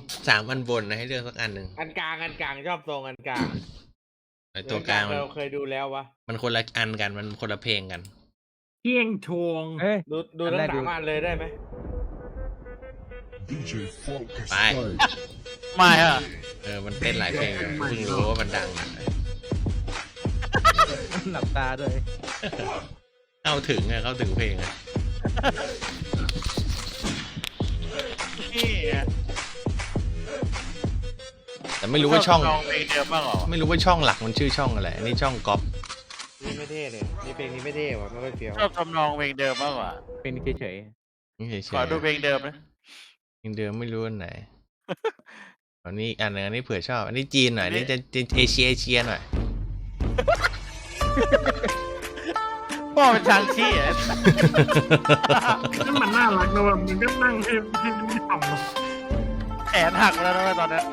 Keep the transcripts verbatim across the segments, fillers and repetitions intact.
สามอันบนนะให้เลือกสักอันหนึ่งอันกลางอันกลางชอบทรงอันกลางไอตัวกลางมันเราเคยดูแล้ววะมันคนละอันกันมันคนละเพลงกันเที่ยงทวงเอ้ยดูดูอันทั้แรงกสามดูอันเลยได้ไหมไปไม่อะเออมันเต้นหลายเพลงอยู่เพิ่งรู้ว่ามันดังนะหลับตาด้วยเข้าถึงอะเข้าถึงเพลงอะนี่อะแต่ไม่รู้ว่าช่องลองเพลงเดิมบ้างเหรอไม่รู้ว่าช่องหลักมันชื่อช่องอะไรอันนี้ช่องก๊อปนี่ไม่เท่เลยนี่เพลงนี้ไม่เท่ว่ะไม่ค่อยเฟี้ยวชอบทำนองเพลงเดิมบ้างเหรอเป็นเฉยนี่เฉยขอดูเพลงเดิมนะๆเพลงเดิมไม่รู้อันไหนอันนี้อีกอันหนึงอันนี้เผื่อชอบอันนี้จีนหน่อยอันนี้จะจะเอเชียเอเชียหน่อยพ่อเป็นชางชี้อะนั่นมันน่ารักนะว่ะมันก็นั่งให้ให้มันทำแขนหักแล้วนะตอนนี้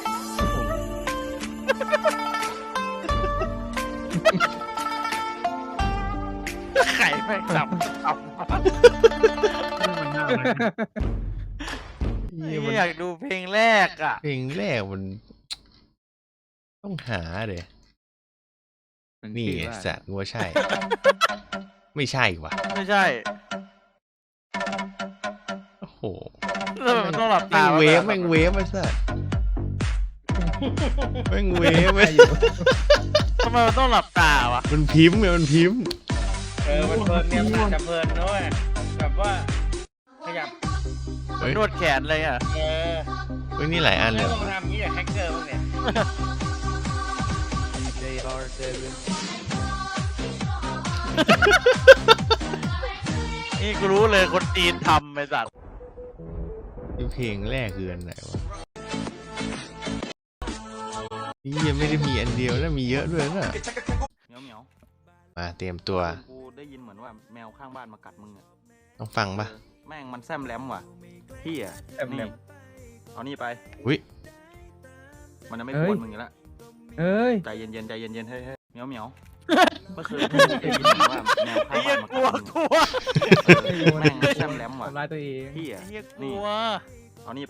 ไข่แม่งจับจับมันน่ารักนี่มันอยากดูเพลงแรกอ่ะเพลงแรกมันต้องหาเดี๋ยๆมันนี่ชื่อไงว่าสัตว์งัวใช่ ไม่ใช่ว่ะไม่ใช่โอ้โหแล้วมันต้องหลับแม่ตางเวฟแม่งเวฟไอ้สัตว์แม่งเวฟไอ้ทำไมมันต้องหลับตาวะมันพิมพ์ไงมันพิมพ์เออมันเพลินเนี่ยมันจะเพลินด้วยแบบว่าขยับเฮ้ยนวดแขนเลยอ่ะเออเฮ้ยนี่หลายอันเลไม่ยลองทำงี้อย่างแฮกเกอร์บ้างเนี่ยนี่กูรู้เลยคนจีนทำไอ้สัตว์นี่เพลงแรกคืออันไหนวะนี่ยังไม่ได้มีอันเดียวนะมีเยอะด้วยนะเหมียวเหมียวมาเตรียมตัวกูได้ยินเหมือนว่าแมวข้างบ้านมากัดมึงอะต้องฟังปะเออแม่งมันแซมแหลมว่ะพี่อะแซมแหลมนี่เอานี่ไปอุ้ยมันจะไม่เอ้กยวนมึงอยู่แล้วเอ้ยใจเย็นๆใจเย็นๆเฮ้ยเฮ้ยเหมียวเหมียวเมื่อคืนพี่ได้ยินเหมือนว่าแมวไอ้ข้างเหี้บ้าย นมากลักัวดมึงกลัวเออแม่งแซมแหลมว่ะทำร้ายตัวเองพี่ไอ้อะเหี้ยกนี่ลัวเอานี่ไป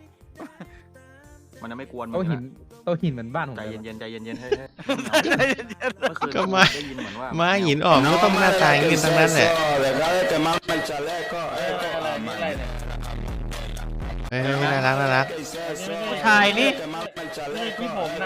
มันจะไม่กวนมึโต๊ะงอหิยู่นแล้วโต๊ะหินเหมือนบ้านผมใจเลยเย็นๆใจเย็นๆเฮ้ยเฮ้ยใจเย็นเมื่อคืนก็มาได้ยินเหมือนว่ามาหินออกมันก็ต้องหน้าตาอย่างนี้ทั้งนั้นแหละเอออะไรนี่อะไรเนี่ยเฮ้ยเฮ้ยน่ารักน่ารักๆผู้ชายนี่ไม่ใช่ที่ผมนะ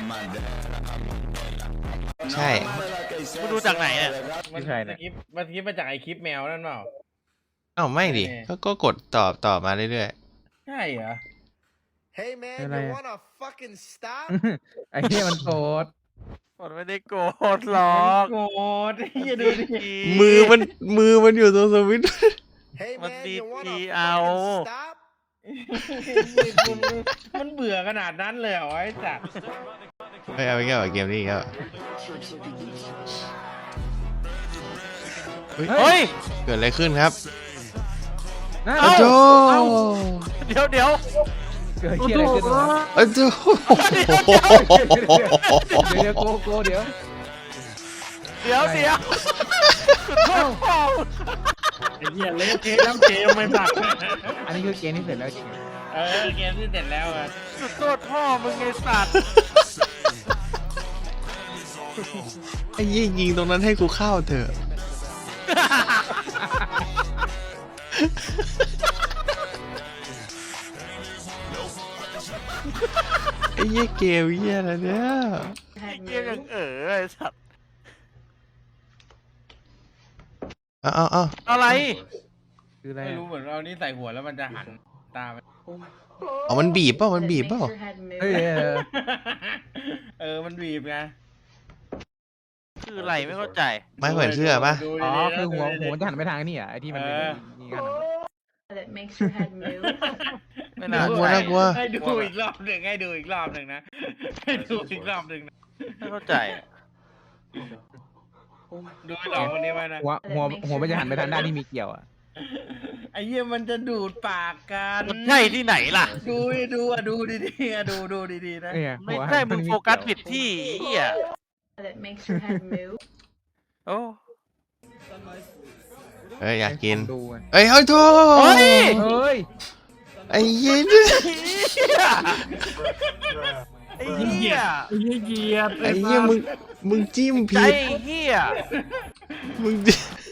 ใช่กูดูจากไหนเนี่ยมันคลิปมันคลิปมาจากไอคลิปแมวนั่นเปล่าเอ้าไม่ดิก็ก็กดตอบตอบมาเรื่อยใช่เหรอ Hey man, อะไร you อะ wanna fucking stop? ไอ้เหี้ยมันโกรธมันไม่ได้โกรธหรอกโกรธเฮียดูดิๆมือมันมือมันอยู่ตรงสวิตช์ Hey What man, did you wanna he fucking owl? stop? มันเบื่อขนาดนั้นเลยเหรอไอ้สัตว์เฮ้ยเอาไปแก้วเกมนี้อีก็เฮ้ยเฮ้ยเกิดอะไรขึ้นครับนะโอ้โหเดี๋ยวเดี๋ยวเกิดเหี้ยอะไรขึ้นวะโอ้โหเดี๋ยวเดี๋ยวโกโกเดี๋ยวเดี๋ยวเดี๋ยวสุดโทษพ่อไอ้เหี้ยเละเทะน้ำเกมไม่ตัดอันนี้คือเกมที่เสร็จแล้วจริงเออเกมที่เสร็จแล้วอะสุดโทษพ่อมึงไอ้สัตว์ไอ้ยี่ยิงตรงนั้นให้กูเข้าเถอะไอ้ยี่เกมเยี่ยอะไรเนี่ยเกมยังเออไอ้สัตว์เอาเอาเอาอะไรคืออะไรไม่อะรู้เหมือนเรานี่ใส่หัวแล้วมันจะหันตาไปเอามันบีบเปล่ามันบีบเปล่าเฮ้ยเออเออมันบีบไงคืออะไรไม่เข้าใจไม่เหมือนเสื้อปะดูอ๋อดีๆนะคือหัวดูดีๆหัวจะหันไปทางนี่อ่ะไอ้ที่มันเป็นนี่กันอะ that makes your head move. ไม่น่าน่ากลัวใช่น่ากลัวให้ดูอีกรอบหนึ่งให้ดูอีกรอบหนึ่งนะให้ดูอีกรอบหนึ่งนะไม่เข้าใจดูไอ้หลอกคนนี้ไว้นะหัวหัวหัวมันจะหันไปทางด้านที่มีเกี่ยวอ่ะไอ้เหี้ยมันจะดูดปากกันมันใช่ที่ไหนล่ะดูดิดูอ่ะดูดีๆอ่ะดูดูดีๆนะเนี่ยไม่หัวใช่มึงโฟกัสผิดที่ไอ้เหี้ย That makes your head move. โอ้เฮ้ยอยากกินดูไงเอ้ยเฮ้ยโทเฮ้ยเฮ้ยไอ้เหี้ยนี่ไอ้เหี้ยไอ้เหี้ยเกียร์ไอ้เหี้ยมึงมึงจิ้มใจผิดไอ้เหี้ยมึง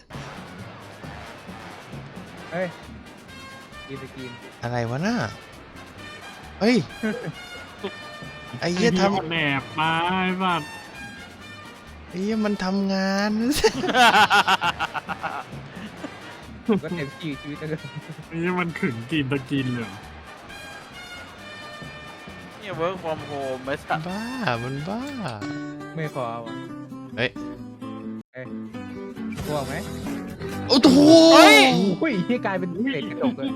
เฮ้ยกินสกินอะไรวะน่ะเฮ้ยไอ้เหี้ยทำแหนบมาไอ้สัตว์ไอ้เหี้ยมันทำงานก็เต็มที่ชีวิตแล้วก็ไอ้เหี้ยมันขึงกินตะกินเลยเหรอเนี่ย work from home ไอ้สัสบ้ามันบ้าไม่พอว่ะเฮ้ยเอ้ยพวกไหมโอ้โหโอ้ยที่กลายเป็นเศษกระจกเลย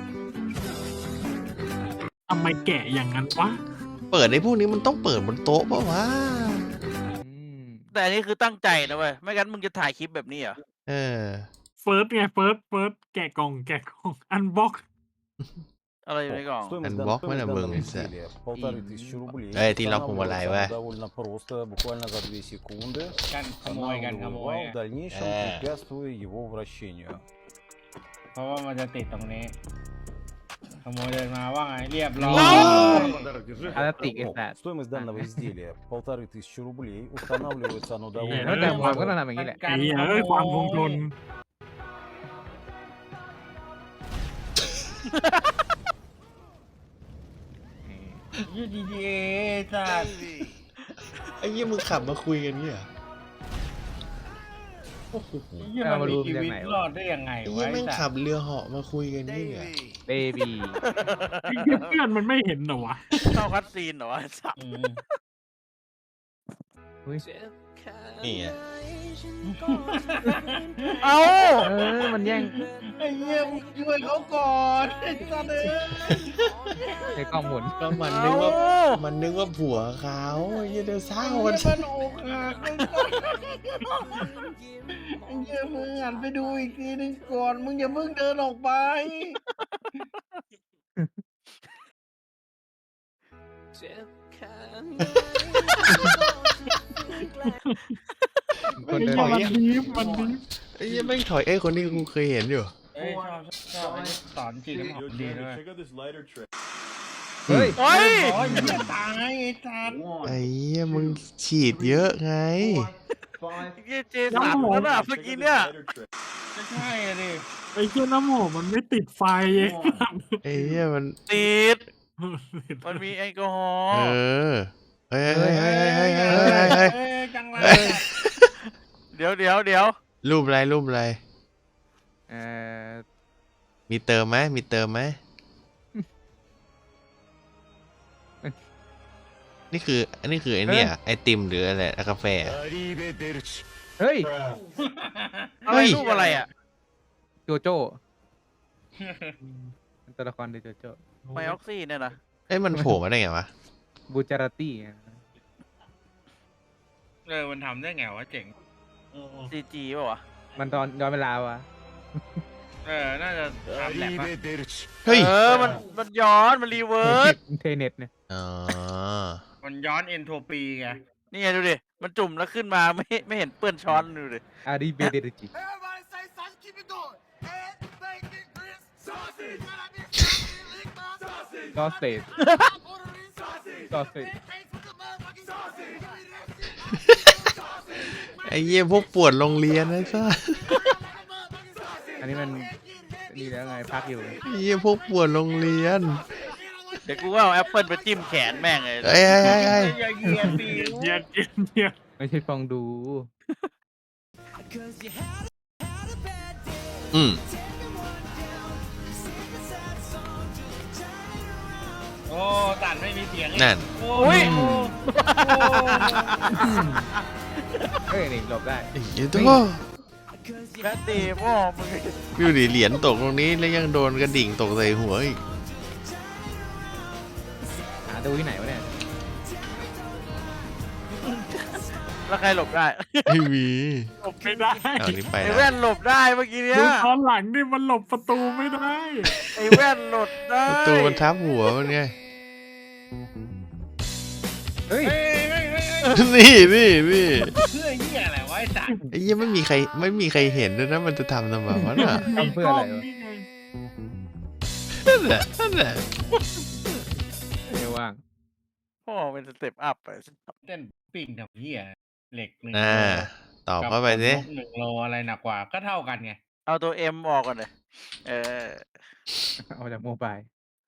ทำไมแกะอย่างนั้นวะเปิดไอ้พวกนี้มันต้องเปิดบนโต๊ะป่าวะอืมแต่อันนี้คือตั้งใจนะเว้ยไม่งั้นมึงจะถ่ายคลิปแบบนี้เหรอเออเฟิร์สไงเฟิร์สเฟิร์สแกะกล่องแกะกล่องอันบ็อกอะไรอยู่ในกล่องอันบล็อกมันอะมึงไอ้สัส Полторы тысячи рублей. เอ้ยที่ล็อกพวงมาลัยเว้ย Довольно просто, буквально за две секунды. กันขโมยกันขโมย Останавливаю อะ в дальнейшем, Э. препятствуя его вращению. เพราะว่ามันจะติดตรงนี้ ขโมยเดินมาว่าไงเรียบร้อยพลาสติกไอ้ О, สัตว์ Стоимость данного изделия полторы тысячи рублей. Устанавливается оно แล้ว довольно แต่ความก็ просто. ต้องทำอย่างนี้แหละไอ้เหี้ยเอ้ยความคงทนยูดีดีเอจัดไอ้เหี้ยมึงขับมาคุยกันเนี่ยยี่มันมีชีวิตรอดได้ยังไงไอ้วะเหี้ยไอ้แม่งสัขัตบว์เรือเหาะมาคุยกันเนี่ยเบบีไอ้เหี้ยเพื่อนมันไม่เห็นเหรอวะเข้าคัดซีนเหรอวะไอ้สัสอืมนี่ไงเอ้าเออมันแย่งไอ้เหี้ยมึงช่วยเขาก่อนไอ้สัตว์เอ้ยในกล้องหมุนก็มันนึกว่าเอ้ามันนึกว่าผัวเขาไอ้เหี้ยเดี๋ยวเศร้าไอ้กันเหี้ยมันอกหักไอ้สัตว์ไอ้เหี้ยมึงหันไปดูอีกทีนึงก่อนมึงอย่าเพิ่งเดินออกไปคนไอ้เดินเหี้ยไปมันดีฟมันดีฟไอ้เหี้ยแม่งถอยเอ้ยคนนี้กูเคยเห็นอยู่เอ้ยชอบชอบอันนี้สอนจีนน้ำหอมดีด้วยเฮ้ยเฮ้ยโอ้ยอย่าตายไอ้สัตว์ไอ้เหี้ยมึงฉีดเยอะไงเหี้ยเจสันนั่นน่ะเมื่อกี้เนี่ยไม่ใช่อะดิไอ้เหี้ยน้ำหอมมันไม่ติดไฟไอ้สัตว์ไอ้เหี้ยมันติดมันมีแอลกอฮอเอล์อเฮ้ยเฮ้ยเฮ้ยเฮ้ยเฮ้ยเฮ้ยเฮ้ยเอ้ยจังเลยเดี๋ยวเดี๋ยวเดี๋ยวรูปอะไรรูปอะไรเออมีเติมไหมมีเติมไหมนี่คืออันนี้คือไอ้เนี่ยไอติมหรืออะไรกาแฟเฮ้ยอะไรรูปอะไรอ่ะโจโจ้เป็นตัวละครในโจโจ้ไมออกซี่เนี่ยนะเอ้ยมันโผล่มาได้ไงวะบูจาราตี้เออมันทำได้ไงวะเจ๋งซีจีป่าวะมันตอนย้อนเวลาวะเออน่าจะทำแหลกปะเฮ้ยเออมันมันย้อนมันรีเวิร์สเทเน็ตเนี่ยอ๋อมันย้อนเอนโทรปีไงนี่ไงดูดิมันจุ่มแล้วขึ้นมาไม่ไม่เห็นเปื้อนช้อนดูดิอาริเบเดริจิ Everybody say sausage, keep it going. Head, bacon, grits, sausage. Sausage. ก็เศษ Sausage. ก็เศษไอ้เหี้ยพวกปวดโรงเรียนนะซ่าอันนี้มันนี่แล้วไงพักอยู่ไอ้เหี้ยพวกปวดโรงเรียนเดี๋ยวกูก็เอาแอปเปิลไปจิ้มแขนแม่งเลยเฮ้ยเฮ้ยเฮ้ยเฮ้ยอย่าเหยียดปีเหี้ยเหี้ยเหี้ยไม่ใช่ฟองดูอืมโอ้ตัดไม่มีเสียงอีกนั่นโอ้ยโอ้เฮ้ยนี่หลบได้ไอ้เหี้ยตัวแม่ตีพ่อมึงดูดิเหรียญตกตรงนี้แล้วยังโดนกระดิ่งตกใส่หัวอีกหาดูที่ไหนวะเนี่ยแล้วใครหลบได้ไม่มีหลบไม่ได้เอานี้ไปไอ้นะแว่นหลบได้เมื่อกี้เนี้ยดูตอนหลังนี่มันหลบประตูไม่ได้ไอ้แว่นหลบได้ประตูมันทับหัวมันไงเฮ้ยเฮ้ยเฮ้ยเฮ้ยเฮ้ยนี่นี่นี่เพื่อเหี้ยอะไรวะไอ้สัตว์ไอ้เหี้ยไม่มีใครไม่มีใครเห็นด้วยนะมันจะทำทำไมวะน่ะทำเพื่ออะไรวะนั่นแหละนั่นแหละไม่ว่างพ่อเป็นสเต็ปอัพไปเต้นปิ้งทำเหี้ยเหล็กหนึ่งอ่าโลตอบกับเข้าไปสิขนนกหนึ่งโลอะไรหนักกว่าก็เท่ากันไงเอาตัวเอ็มออกก่อนเลยเออเอาจากโมบาย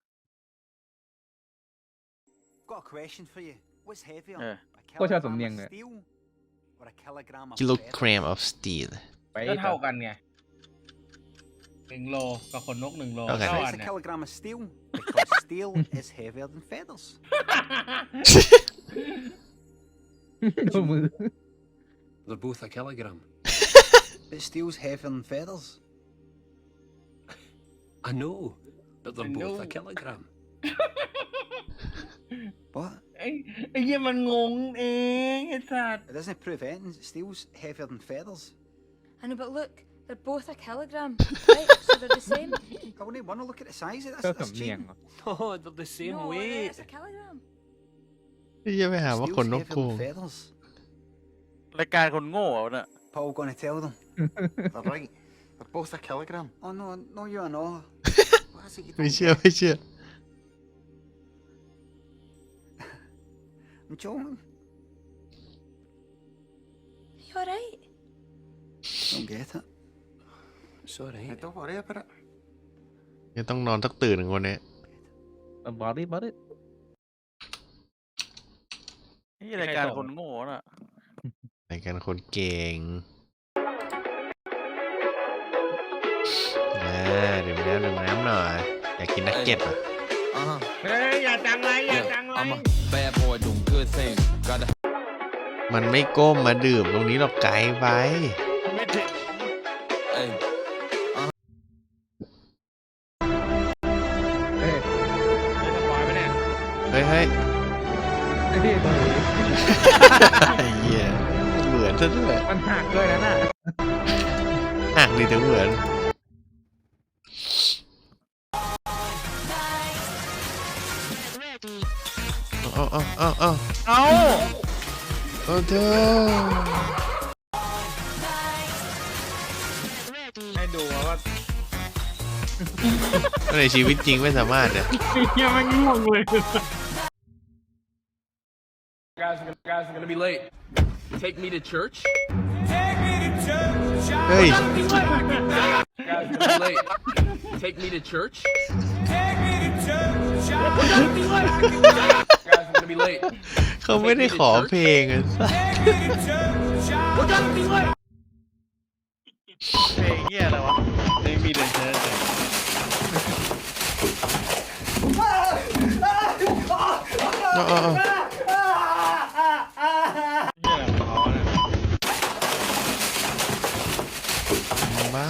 Got a question for you. What's heavier? Yeah. A โคตรชอบ kilogram สำเนียง of เลย steel or a kilogram of กิโล feather? กรัม of steel ไปก็เท่ากันไงหนึ่งโลกับขนนกหนึ่งโลเท่ากันเท่า So กั it's น a เนี่ย kilogram of steel because steel is heavier than feathers. ดูมือ They're both a kilogram. But steel's heavier than feathers. I know, but they're I both know. a kilogram. What? ไอ้ไอ้เหี้ยมันงงเองไอ้สัตว์ It doesn't prove anything. Steel's heavier than feathers. I know, but look, they're both a kilogram, right? So they're the same. I wouldn't want to look at the size of this. ก็ That's สำเนียง cheating. เหรอ No, they're the same no, weight. it's a kilogram. พี่จะไปหาว่า Steel's ขนนก heavier โกง than feathers. รายการคนโง่เอาเนี่ย Paul gonna tell them. They're right. They're both a kilogram. Oh no, no, you're not. What is it you ไม่ don't เชื่อ get? ไม่เชื่อ I'm joking. You alright? Don't get it. It's alright. Hey, don't worry about it. ยังต้องนอนสักตื่นหนึ่งคนนี้บอดี้บอดี้นี่รายการคนโง่น่ะในการคนเก่งอ่าดื่มน้ำดื่มน้ำหน่อย อยากกินนักเก็ตอ่ะเฮ้ยอย่าจังไรอย่าจังไร Bad boy doing good things. Gotta มันไม่ก้มมาดื่มตรงนี้หรอกไกลไปไม่ถึง hey. เฮ้ยไม่สปอยล์ไปเนี่ยเฮ้ยเฮ้ยเฮ้ยไอ้เหี้ยเหมือนซะด้วยมันหักด้วยนะน่ะหักดีถึงเหมือนเอาเอาเอาเอาเอาเอาเธอให้ดูว่าในชีวิตจริงไม่สามารถเนี่ยไอ้เหี้ยแมันง่วงเลย Guys, are gonna, guys are gonna be late. Take me to church. เฮ้ย Guys are gonna be late. Take me to church. Guys are gonna be late. เขาไม่ได้ขอเพลงอ่ะสัสเพลงเงี้ยอะไรวะไม่มีเดินเชิญเลยเอาเอาเอาเหี้ยอะไรของเขาเนี่ยบ้า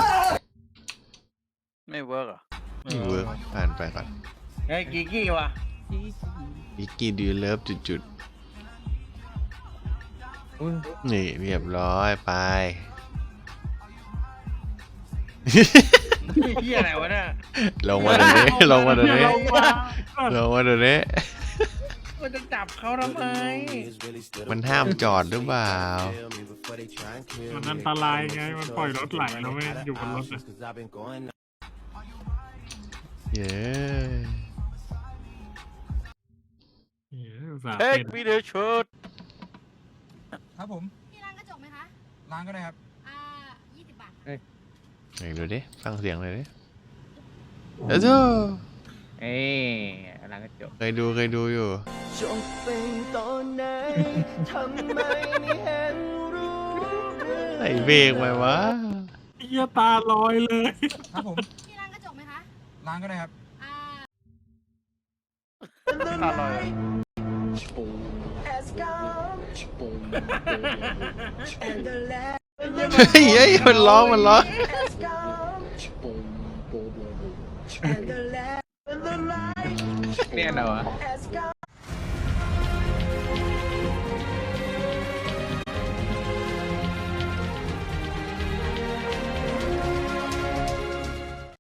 ไม่เวิร์กอ่ะไม่เวิร์กผ่านไปก่อนเฮ้ยกิกกี้วะวิกกี้ดูเลิฟจุดจุดอุ้ยๆนี่เรียบร้อยไปเหี้ยอะไรวะเนี่ยลงมาเดี๋ยวนี้ลงมาเดี๋ยวนี้ลงมาลงมาเดี๋ยวนี้มันจะจับเขาทำไมมันห้ามจอดหรือเปล่ามันอันตรายไง มันปล่อยรถไหลแล้วไม่อยู่บนรถอะเย้เหี้ยอุตส่าห์เฮ้ยเป็นมีเดอร์ชุดครับผมพี่ร้านกระจกไหมคะล้างก็ได้ครับอ่ายี่สิบบาทไหนดูดิฟังเสียงเลยดิเอ้าโธ่เอ้ยร้านกระจกเคยดูเคยดูอยู่จบเป็นตอนไหนทำไมไม่เห็นรู้ใส่เบรกไหมวะเหี้ยตาลอยเลยครับผมพี่ร้านกระจกไหมคะล้างก็ได้ครับอ่าอร่อยเฮ้ยเฮ้ยมันร้องมันร้องเนี่ยเหรอวะ